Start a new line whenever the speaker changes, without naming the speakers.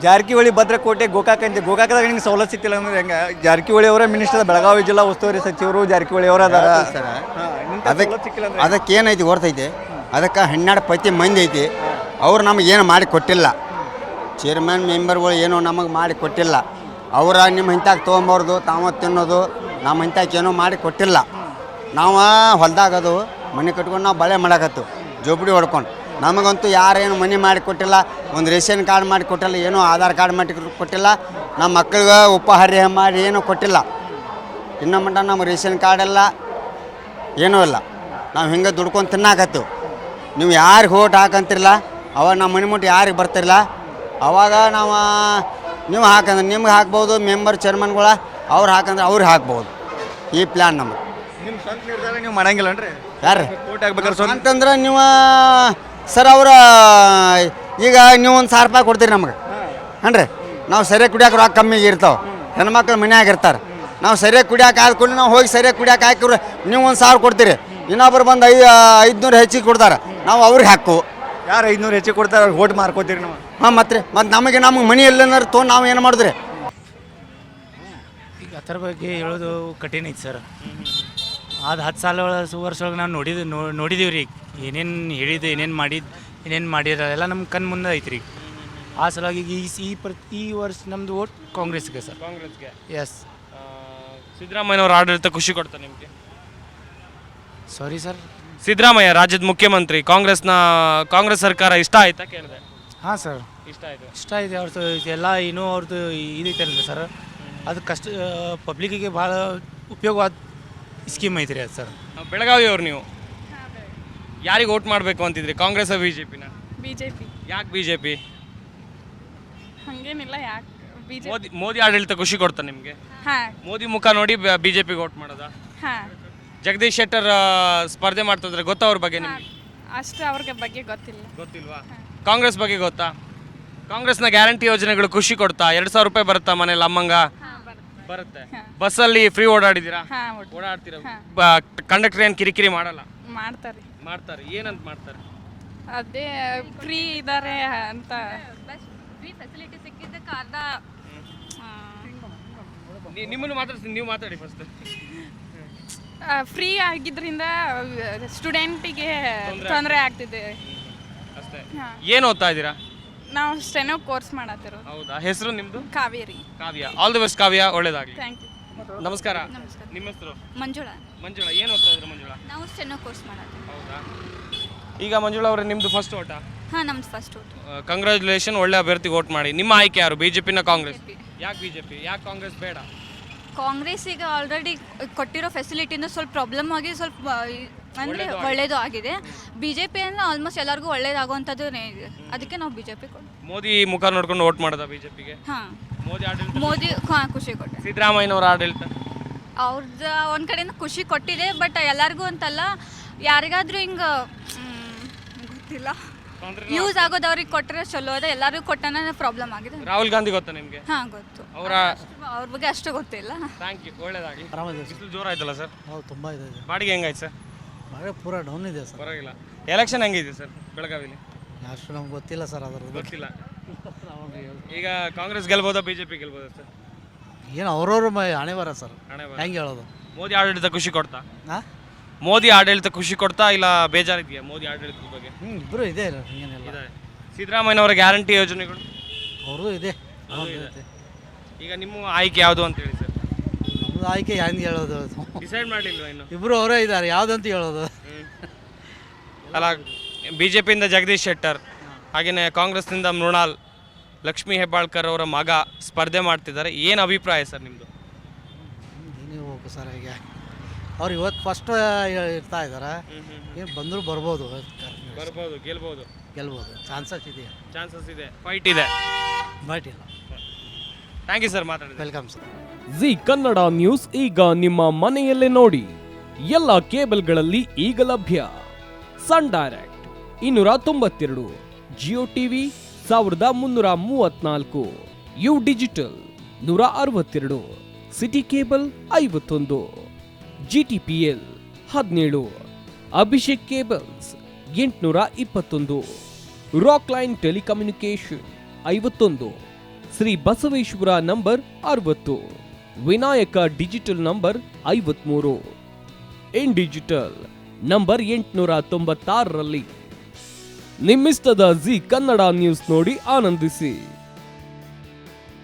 ಜಾರಕಿಹೊಳಿ ಭದ್ರಕೋಟೆ ಗೋಕಾಕದಾಗ ನಿಮ್ಗೆ ಸವಲತ್ತು ಸಿಕ್ತಿಲ್ಲ ಅಂದ್ರೆ ಹೆಂಗೆ? ಜಾರಕಿಹೊಳಿ ಅವರ ಮಿನಿಸ್ಟರ್, ಬೆಳಗಾವಿ ಜಿಲ್ಲಾ ಉಸ್ತುವಾರಿ ಸಚಿವರು ಜಾರಕಿಹೊಳಿ ಅವರ ಅದಾರ.
ಅದಕ್ಕೆ ಏನೈತಿ ಗೊತ್ತೈತಿ, ಅದಕ್ಕೆ 12 ಪೈತಿ ಮಂದಿ ಐತಿ. ಅವ್ರು ನಮಗೆ ಏನು ಮಾಡಿ ಕೊಟ್ಟಿಲ್ಲ. ಚೇರ್ಮನ್ ಮೆಂಬರ್ಗಳು ಏನೋ ನಮಗೆ ಮಾಡಿ ಕೊಟ್ಟಿಲ್ಲ. ಅವರ ನಿಮ್ಮ ಇಂತಾಗ ತೊಗೊಂಬಾರ್ದು, ತಾವ ತಿನ್ನೋದು, ನಮ್ಮ ಇಂತಾಗ ಏನೋ ಮಾಡಿ ಕೊಟ್ಟಿಲ್ಲ. ನಾವು ಹೊಲ್ದಾಗದು ಮನೆ ಕಟ್ಕೊಂಡು ನಾವು ಬಳೆ ಮಾಡಕತ್ತು, ಜೋಬಡಿ ಹೊಡ್ಕೊಂಡು. ನಮಗಂತೂ ಯಾರೇನು ಮನೆ ಮಾಡಿ ಕೊಟ್ಟಿಲ್ಲ, ಒಂದು ರೇಷನ್ ಕಾರ್ಡ್ ಮಾಡಿ ಕೊಟ್ಟಿಲ್ಲ, ಏನೋ ಆಧಾರ್ ಕಾರ್ಡ್ ಮಾಡಿ ಕೊಟ್ಟಿಲ್ಲ. ನಮ್ಮ ಮಕ್ಕಳಿಗೆ ಉಪಹಾರ ಮಾಡಿ ಏನೂ ಕೊಟ್ಟಿಲ್ಲ. ಇನ್ನು ಮಟ್ಟ ನಮ್ಮ ರೇಷನ್ ಕಾರ್ಡೆಲ್ಲ ಏನೂ ಇಲ್ಲ. ನಾವು ಹಿಂಗೆ ದುಡ್ಕೊಂಡು ತಿನ್ನಾಕತ್ತು. ನೀವು ಯಾರಿಗೆ ಓಟ್ ಹಾಕಂತಿರಲ್ಲ, ಅವಾಗ ನಮ್ಮ ಮನೆ ಮುಟ್ಟು ಯಾರಿಗೆ ಬರ್ತಿರಲ್ಲ, ಅವಾಗ ನಾವು ನೀವು ಹಾಕಂದ್ರೆ ನಿಮ್ಗೆ ಹಾಕ್ಬೋದು, ಮೆಂಬರ್ ಚೇರ್ಮನ್ಗಳ ಅವ್ರು ಹಾಕಂದ್ರೆ ಅವ್ರಿಗೆ ಹಾಕ್ಬೋದು. ಈ ಪ್ಲ್ಯಾನ್ ನಮಗೆ.
ನಿಮ್ಮ ಸ್ವಂತ ನಿರ್ಧಾರ ನೀವು ಮಾಡಂಗಿಲ್ಲನ್ರಿ?
ಯಾರು
ಓಟ್ ಹಾಕ್ಬೇಕಾದ್ರೆ
ಅಂತಂದ್ರೆ ನೀವು ಸರ್ ಅವರ ಈಗ ನೀವು ಒಂದು 1000 ರೂಪಾಯಿ ಕೊಡ್ತೀರಿ ನಮಗೆ ಅನ್ರಿ. ನಾವು ಸರಿಯಾಗಿ ಕುಡಿಯೋಕೆ ರೊಕ್ಕ ಕಮ್ಮಿಗೆ ಇರ್ತಾವೆ, ಹೆಣ್ಮಕ್ಳು ಮನ್ಯಾಗ ಇರ್ತಾರೆ. ನಾವು ಸರಿಯಾಗಿ ಕುಡಿಯೋಕೆ ಆದ್ಕೊಂಡು ನಾವು ಹೋಗಿ ಸರಿಯಾಗಿ ಕುಡಿಯೋಕೆ ಹಾಕಿವ್ರಿ, ನೀವು ಒಂದು 1000 ಕೊಡ್ತೀರಿ, ಇನ್ನೊಬ್ರು ಬಂದು 500 ಹೆಚ್ಚಿಗೆ ಕೊಡ್ತಾರೆ, ನಾವು ಅವ್ರಿಗೆ ಹಾಕು.
ಯಾರು 500 ಹೆಚ್ಚಿಗೆ ಕೊಡ್ತಾರೆ, ಅವ್ರಿಗೆ ಓಟ್ ಮಾರ್ಕೋತೀರಿ ನಾವು.
ಹಾಂ ಮತ್ತೆ ನಮಗೆ ಮನಿ ಎಲ್ಲೇನಾರು ತೊಗೊಂಡು ನಾವು ಏನು ಮಾಡಿದ್ರಿ?
ಈಗ ಅದರ ಬಗ್ಗೆ ಹೇಳೋದು ಕಠಿಣ ಐತೆ ಸರ್. ಅದು 10 ಸಾಲ ವರ್ಷ ಒಳಗೆ ನಾವು ನೋಡಿದೀವಿ ರೀ. ಏನೇನು ಹೇಳಿದ್ದು, ಏನೇನು ಮಾಡಿರ ಎಲ್ಲ ನಮ್ಮ ಕಣ್ಣು ಮುಂದೆ ಐತೆ ರೀ. ಆ ಸಲುವಾಗಿ ಈ ವರ್ಷ ನಮ್ಮದು ಓಟ್ ಕಾಂಗ್ರೆಸ್ಗೆ ಸರ್.
ಕಾಂಗ್ರೆಸ್ಗೆ.
ಎಸ್.
ಸಿದ್ದರಾಮಯ್ಯನವ್ರ ಆಡಳಿತ ಖುಷಿ ಕೊಡ್ತಾರೆ ನಿಮಗೆ?
Sorry sir.
ಸಿದ್ದರಾಮಯ್ಯ ರಾಜ್ಯದ ಮುಖ್ಯಮಂತ್ರಿ, ಕಾಂಗ್ರೆಸ್ ಸರ್ಕಾರ ಇಷ್ಟ ಆಯ್ತಾ ಕೇಳಿದೆ?
ಹಾಂ ಸರ್,
ಇಷ್ಟ ಆಯಿತು.
ಇಷ್ಟ ಇದೆ. ಅವ್ರದ್ದು ಎಲ್ಲ ಇನ್ನೂ ಅವ್ರದ್ದು ಇದೈತಲ್ಲ ಸರ್, ಅದು ಕಷ್ಟ ಪಬ್ಲಿಕ್ಕಿಗೆ ಭಾಳ ಉಪಯೋಗವಾದ ಸ್ಕೀಮ್ ಐತ್ರಿ ಅದು ಸರ್.
ಬೆಳಗಾವಿಯವ್ರು ನೀವು ಯಾರಿಗೆ ಓಟ್ ಮಾಡಬೇಕು ಅಂತಿದ್ರಿ, ಕಾಂಗ್ರೆಸ್ ಬಿಜೆಪಿನ?
ಬಿಜೆಪಿ.
ಯಾಕೆ ಬಿಜೆಪಿ?
ಹಂಗೇನಿಲ್ಲ, ಯಾಕೆ
ಮೋದಿ ಆಡಳಿತ ಖುಷಿ ಕೊಡ್ತಾ ನಿಮಗೆ?
ಹಾಂ.
ಮೋದಿ ಮುಖ ನೋಡಿ ಬಿಜೆಪಿಗೆ ಓಟ್ ಮಾಡೋದಾ?
ಹಾಂ.
ಜಗದೀಶ್ ಶೆಟ್ಟರ್ ಸ್ಪರ್ಧೆ ಮಾಡ್ತಿದ್ರೆ ಗೊತ್ತಾ ಅವ್ರ ಬಗ್ಗೆ ನಿಮಗೆ?
ಅಷ್ಟು ಅವ್ರಿಗೆ ಬಗ್ಗೆ ಗೊತ್ತಿಲ್ಲ.
ಗೊತ್ತಿಲ್ವಾ? ಕಾಂಗ್ರೆಸ್ ಬಗ್ಗೆ ಗೊತ್ತಾ? ಕಾಂಗ್ರೆಸ್ನ ಗ್ಯಾರಂಟಿ ಯೋಜನೆಗಳು ಖುಷಿ ಕೊಡ್ತಾ? 2000 ರೂಪಾಯಿ ಬರುತ್ತಾ ಮನೇಲಿ ಅಮ್ಮಂಗ? ಬರುತ್ತೆ. ಬಸ್ಸಲ್ಲಿ ಫ್ರೀ ಓಡಾಡಿದ್ದೀರಾ? ಓಡಾಡ್ತೀರಾ? ಕಂಡಕ್ಟರ್ ಏನು ಕಿರಿಕಿರಿ ಮಾಡಲ್ಲ? ಮಾಡ್ತಾರೆ. ಏನಂತ ಮಾಡ್ತಾರೆ?
ಅದೇ ಫ್ರೀ ಇದ್ದಾರೆ ಅಂತ.
ಫ್ರೀ ಫೆಸಿಲಿಟಿ ಸಿಕ್ಕಿದ್ದಕ್ಕೆ ಅರ್ಧ
ನಿಮ್ಮನ್ನು ಮಾತಾಡ್ತೀನಿ, ನೀವು ಮಾತಾಡಿ ಫಸ್ಟ್.
ಫ್ರೀ ಆಗಿದ್ರಿಂದ ಸ್ಟೂಡೆಂಟಿಗೆ ತೊಂದರೆ ಆಗ್ತಿದೆ
ಅಷ್ಟೇ. ಏನು ಓದ್ತಾ ಇದ್ದೀರಾ?
ನಾವು ಸ್ಟೆನೋ ಕೋರ್ಸ್ ಮಾಡತ್ತಿರೋದು.
ಹೌದಾ? ಹೆಸರು ನಿಮ್ಮದು?
Kaveri.
Kavya. All the best Kavya, ಒಳ್ಳೇದಾಗಲಿ.
Thank you.
ನಮಸ್ಕಾರ. ನಿಮ್ಮ ಹೆಸರು?
ಮಂಜುಳಾ.
ಏನು ಓದ್ತಾ ಇದ್ರು ಮಂಜುಳಾ?
ನಾವು ಸ್ಟೆನೋ ಕೋರ್ಸ್ ಮಾಡತ್ತೀವಿ.
ಹೌದಾ? ಈಗ ಮಂಜುಳಾ ಅವರೇ, ನಿಮ್ಮದು ಫಸ್ಟ್ ಓಟಾ?
ಹಾಂ, ನಮ್ದು ಫಸ್ಟ್ ಓಟ್.
ಕಂಗ್ರ್ಯಾಚುಲೇಷನ್, ಒಳ್ಳೆ ಅಭ್ಯರ್ಥಿಗೆ ಓಟ್ ಮಾಡಿ. ನಿಮ್ಮ ಆಯ್ಕೆ ಯಾರು, ಬಿಜೆಪಿನ ಕಾಂಗ್ರೆಸ್? ಯಾಕೆ ಬಿಜೆಪಿ, ಯಾಕೆ ಕಾಂಗ್ರೆಸ್ ಬೇಡ?
ಕಾಂಗ್ರೆಸ್ಸಿಗೆ ಆಲ್ರೆಡಿ ಕೊಟ್ಟಿರೋ ಫೆಸಿಲಿಟಿಯಿಂದ ಸ್ವಲ್ಪ ಪ್ರಾಬ್ಲಮ್ ಆಗಿ ಸ್ವಲ್ಪ ಅಂದರೆ ಒಳ್ಳೇದು ಆಗಿದೆ. ಬಿಜೆಪಿ ಅಂದರೆ ಆಲ್ಮೋಸ್ಟ್ ಎಲ್ಲರಿಗೂ ಒಳ್ಳೇದಾಗುವಂಥದ್ದು ಇದೆ, ಅದಕ್ಕೆ ನಾವು ಬಿಜೆಪಿ ಕೊಟ್ಟು.
ಮೋದಿ ಮುಖ ನೋಡ್ಕೊಂಡು ಓಟ್ ಮಾಡೋದಾ ಬಿಜೆಪಿಗೆ?
ಹಾಂ.
ಮೋದಿ
ಹಾಂ, ಖುಷಿ ಕೊಟ್ಟೆ.
ಸಿದ್ದರಾಮಯ್ಯನವರ ಆಡಳಿತ
ಅವ್ರದ್ದು ಒಂದು ಕಡೆಯಿಂದ ಖುಷಿ ಕೊಟ್ಟಿದೆ, ಬಟ್ ಎಲ್ಲರಿಗೂ ಅಂತಲ್ಲ, ಯಾರಿಗಾದ್ರೂ ಹಿಂಗೆ ಗೊತ್ತಿಲ್ಲ, ಯೂಸ್ ಆಗೋದು ಅವ್ರಿಗೆ ಕೊಟ್ಟರೆ ಚಲೋ ಅದ. ಎಲ್ಲರಿಗೂ ಕೊಟ್ಟನ ಪ್ರಾಬ್ಲಮ್ ಆಗಿದೆ.
ರಾಹುಲ್ ಗಾಂಧಿ ಗೊತ್ತಾ ನಿಮಗೆ?
ಹಾಂ, ಗೊತ್ತು. ಅವ್ರ ಬಗ್ಗೆ ಅಷ್ಟು ಗೊತ್ತಿಲ್ಲ.
ಥ್ಯಾಂಕ್ ಯು, ಒಳ್ಳೇದಾಗಿ. ಬಿಸಿಲು ಜೋರ ಆಯ್ತಲ್ಲ ಸರ್?
ಹೌದು, ತುಂಬ ಇದೆ.
ಬಾಡಿಗೆ ಹೆಂಗಾಯ್ತು ಸರ್?
ಬಾಡಿಗೆ ಪೂರ ಡೌನ್ ಇದೆ ಸರ್.
ಪರವಾಗಿಲ್ಲ. ಎಲೆಕ್ಷನ್ ಹೆಂಗಿದೆ ಸರ್ ಬೆಳಗಾವಿಲಿ?
ಅಷ್ಟು ನಮ್ಗೆ ಗೊತ್ತಿಲ್ಲ ಸರ್, ಅದ್ರ
ಗೊತ್ತಿಲ್ಲ. ಈಗ ಕಾಂಗ್ರೆಸ್ ಗೆಲ್ಬೋದಾ, ಬಿಜೆಪಿ ಗೆಲ್ಬೋದಾ ಸರ್?
ಏನು ಅವ್ರವ್ರ ಹಣೆ ಬರ ಸರ್,
ಹಣೆ ಬರ.
ಹೆಂಗೆ ಹೇಳೋದು?
ಮೋದಿ ಆಡಳಿತ ಖುಷಿ ಕೊಡ್ತಾ?
ಹಾಂ,
ಮೋದಿ ಆಡಳಿತ ಖುಷಿ ಕೊಡ್ತಾ ಇಲ್ಲ ಬೇಜಾರಿದೆಯಾ ಮೋದಿ ಆಡಳಿತದ ಬಗ್ಗೆ?
ಇಬ್ಬರು ಇದೆ, ಹಿಂಗೇನಿಲ್ಲ.
ಸಿದ್ದರಾಮಯ್ಯನವರ ಗ್ಯಾರಂಟಿ ಯೋಜನೆಗಳು
ಅವ್ರದ್ದು ಇದೆ.
ಈಗ ನಿಮ್ಮ ಆಯ್ಕೆ ಯಾವುದು ಅಂತ ಹೇಳಿ ಸರ್?
ನಮ್ಮದು ಆಯ್ಕೆ ಹೆಂಗೆ ಹೇಳೋದು?
ಡಿಸೈಡ್ ಮಾಡಲಿಲ್ವ ಇನ್ನು?
ಇಬ್ಬರು ಅವರೇ ಇದ್ದಾರೆ, ಯಾವುದಂತ ಹೇಳೋದು?
ಅಲ್ಲ, ಬಿಜೆಪಿಯಿಂದ ಜಗದೀಶ್ ಶೆಟ್ಟರ್, ಹಾಗೆಯೇ ಕಾಂಗ್ರೆಸ್ನಿಂದ ಮೃಣಾಲ್, ಲಕ್ಷ್ಮೀ ಹೆಬ್ಬಾಳ್ಕರ್ ಅವರ ಮಗ ಸ್ಪರ್ಧೆ ಮಾಡ್ತಿದ್ದಾರೆ. ಏನು ಅಭಿಪ್ರಾಯ ಸರ್ ನಿಮ್ಮದು?
ನೀವು ಹೋಗು ಸರ್, ಈಗ ಅವ್ರು ಇವತ್ತು ಫಸ್ಟ್ ಇರ್ತಾ ಇದ್ದಾರೆ, ಏನು ಬಂದರೂ ಬರ್ಬೋದು,
ಗೆಲ್ಬೋದು.
ಚಾನ್ಸಸ್
ಇದೆ, ಫೈಟ್ ಇದೆ.
ಬಟ್ ಇಲ್ಲ.
ಥ್ಯಾಂಕ್ ಯು ಸರ್, ಮಾತಾಡಿ.
Welcome sir.
Zee Kannada news ಈಗ ನಿಮ್ಮ ಮನೆಯಲ್ಲೇ ನೋಡಿ. ಎಲ್ಲ ಕೇಬಲ್ಗಳಲ್ಲಿ ಈಗ ಲಭ್ಯ. Sun Direct 292, Jio TV 1334, U digital 162, City Cable 51, GTPL 17, Abhishek cables 821, Rockline telecommunication 51, Shri Basaveshwara number 60, Vinayaka digital number 53, in digital number 896ರಲ್ಲಿ. ನಿಮ್ಮಿಸ್ತದ ಜಿ ಕನ್ನಡ ನ್ಯೂಸ್ ನೋಡಿ ಆನಂದಿಸಿ.